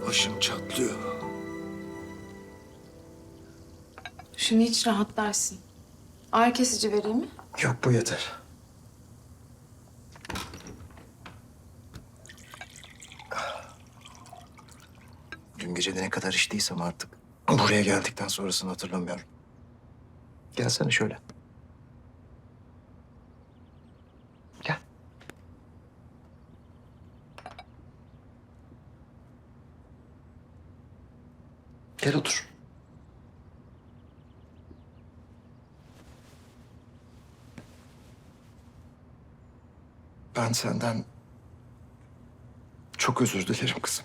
başım çatlıyor. Şunu iç rahatlarsın. Ağrı kesici vereyim mi? Yok, bu yeter. Dün gece de ne kadar içtiysem artık buraya geldikten sonrasını hatırlamıyorum. Gelsene şöyle. Gel. Gel otur. Ben senden çok özür dilerim kızım.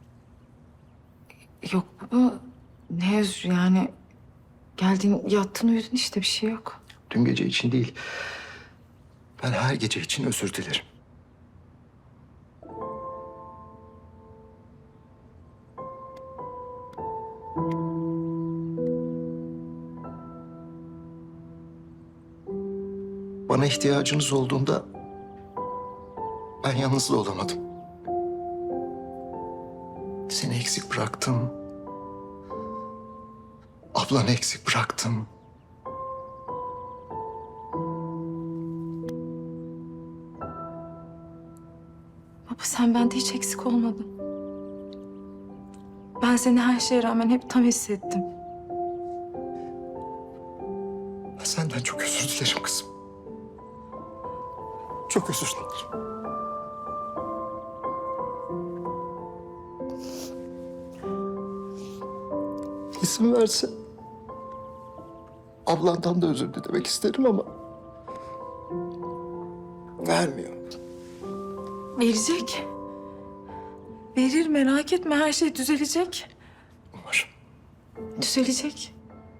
Yok baba. Ne özür yani. Geldin yattın uyudun işte bir şey yok. Dün gece için değil, ben her gece için özür dilerim. Bana ihtiyacınız olduğunda ben yalnız da olamadım. Seni eksik bıraktım. Ablanı eksik bıraktım. Baba sen bende hiç eksik olmadın. Ben seni her şeye rağmen hep tam hissettim. Ben senden çok özür dilerim kızım. Çok özür dilerim. İzin verse ablandan da özür dilemek isterim ama vermiyor. Verecek. Verir merak etme her şey düzelecek. Umarım. Düzelecek.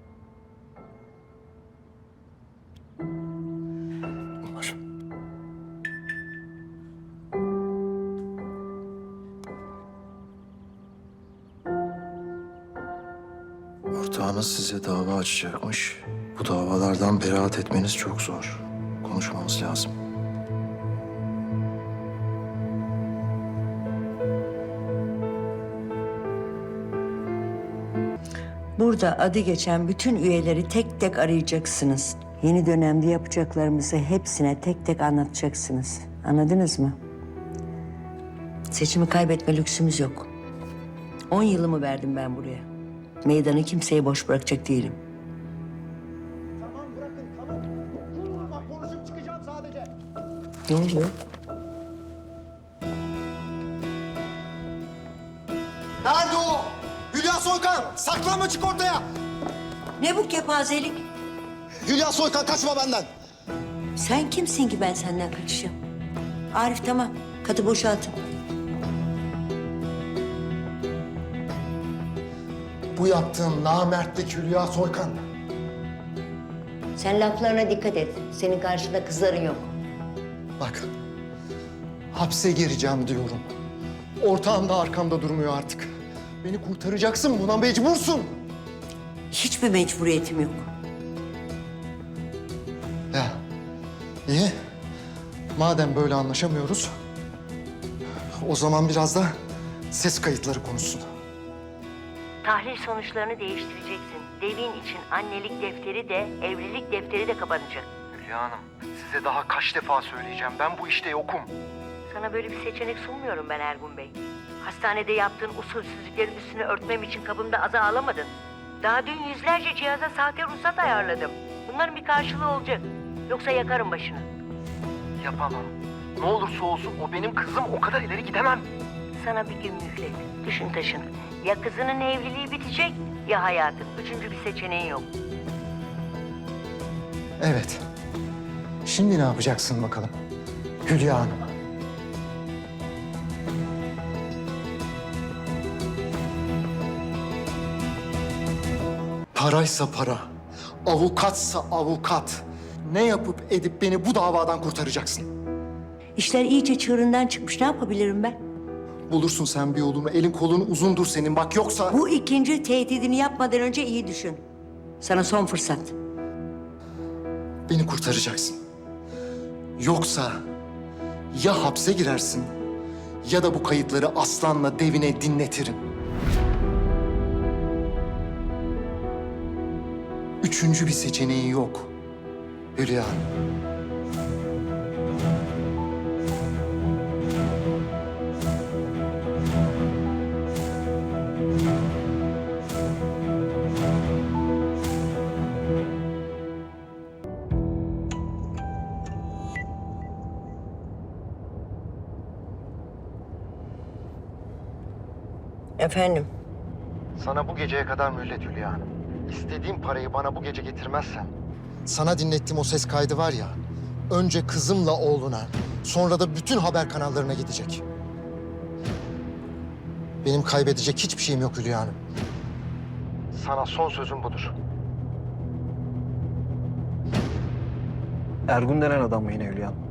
Umarım. Ortağınız size dava açacakmış. Bu davalardan beraat etmeniz çok zor. Konuşmamız lazım. Burada adı geçen bütün üyeleri tek tek arayacaksınız. Yeni dönemde yapacaklarımızı hepsine tek tek anlatacaksınız. Anladınız mı? Seçimi kaybetme lüksümüz yok. 10 yılımı verdim ben buraya. Meydanı kimseye boş bırakacak değilim. Tamam bırakın tamam. Bak konuşup çıkacağım sadece. Ne oluyor? Nerede o? Hülya Soykan saklanma çık ortaya. Ne bu kepazelik? Hülya Soykan kaçma benden. Sen kimsin ki ben senden kaçacağım? Arif tamam. Katı boşaltın. Bu yaptığın namertlik Hülya Soykan. Sen laflarına dikkat et. Senin karşında kızların yok. Bak hapse gireceğim diyorum. Ortağım da arkamda durmuyor artık. Beni kurtaracaksın buna mecbursun. Hiçbir mecburiyetim yok. Ya iyi. Madem böyle anlaşamıyoruz, o zaman biraz da ses kayıtları konuşsun. Tahlil sonuçlarını değiştireceksin. Devin için annelik defteri de, evlilik defteri de kapanacak. Hülya Hanım, size daha kaç defa söyleyeceğim. Ben bu işte yokum. Sana böyle bir seçenek sunmuyorum ben Ergun Bey. Hastanede yaptığın usulsüzlüklerin üstünü örtmem için kapımda aza ağlamadın. Daha dün yüzlerce cihaza sahte ruhsat ayarladım. Bunların bir karşılığı olacak. Yoksa yakarım başını. Yapamam. Ne olursa olsun o benim kızım. O kadar ileri gidemem. Sana bir gün mühlet. Düşün taşın. Ya kızının evliliği bitecek ya hayatın. Üçüncü bir seçeneğin yok. Evet. Şimdi ne yapacaksın bakalım Hülya Hanım? Paraysa para, avukatsa avukat. Ne yapıp edip beni bu davadan kurtaracaksın? İşler iyice çığırından çıkmış. Ne yapabilirim ben? Bulursun sen bir yolunu, elin kolun uzundur senin bak yoksa... Bu ikinci tehdidini yapmadan önce iyi düşün. Sana son fırsat. Beni kurtaracaksın. Yoksa ya hapse girersin ya da bu kayıtları Aslan'la Devin'e dinletirim. Üçüncü bir seçeneği yok. Hülya Hanım. Efendim? Sana bu geceye kadar mühlet Hülya Hanım. İstediğim parayı bana bu gece getirmezsen... Sana dinlettiğim o ses kaydı var ya... Önce kızımla oğluna, sonra da bütün haber kanallarına gidecek. Benim kaybedecek hiçbir şeyim yok Hülya Hanım. Sana son sözüm budur. Ergun denen adam mı yine Hülya Hanım?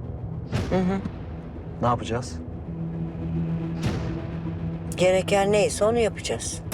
Hı hı. Ne yapacağız? Gereken neyse onu yapacağız.